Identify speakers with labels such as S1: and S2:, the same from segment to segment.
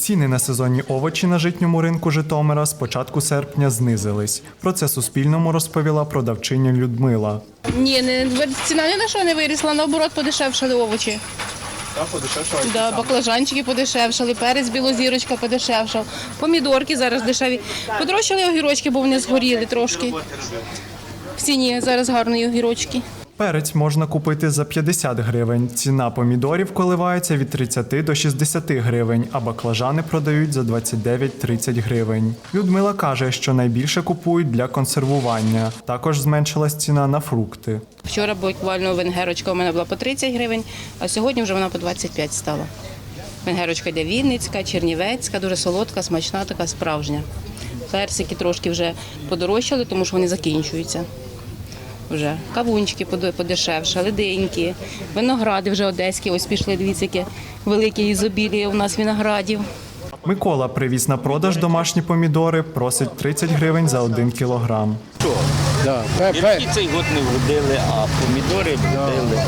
S1: Ціни на сезонні овочі на житньому ринку Житомира з початку серпня знизились. Про це Суспільному розповіла продавчиня Людмила.
S2: Ні, ціна ні на що не вирісла, наоборот подешевшали овочі. Да, баклажанчики подешевшали, перець білозірочка подешевшав, помідорки зараз дешеві. Подорожчали огірочки, бо вони згоріли трошки. В ціні зараз гарні огірочки.
S1: Перець можна купити за 50 гривень. Ціна помідорів коливається від 30 до 60 гривень, а баклажани продають за 29-30 гривень. Людмила каже, що найбільше купують для консервування. Також зменшилась ціна на фрукти.
S2: Вчора буквально венгерочка у мене була по 30 гривень, а сьогодні вже вона по 25 стала. Венгерочка йде вінницька, чернівецька, дуже солодка, смачна, така справжня. Персики трошки вже подорожчали, тому що вони закінчуються. Вже кавунчики подешевшали, диньки, виногради вже одеські, ось пішли, дивіться, яке велике ізобіліє у нас виноградів.
S1: Микола привіз на продаж домашні помідори, просить 30 гривень за 1 кілограм.
S3: Гірки цей год не вродили, а помідори вродили.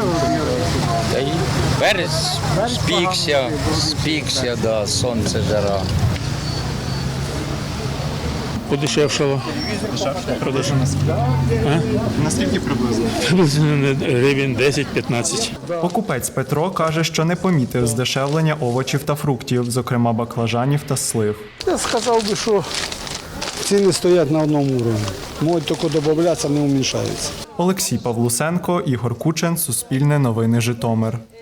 S3: Перець спікся, да, сонце, жара.
S4: Подешевшало.
S1: Продажу наскільки приблизно?
S4: Гривень 10-15.
S1: Покупець Петро каже, що не помітив здешевлення овочів та фруктів, зокрема баклажанів та слив.
S5: Я сказав би, що ціни стоять на одному рівні. Можуть тільки додатися, не уміншаються.
S1: Олексій Павлусенко, Ігор Кучен, Суспільне новини Житомир.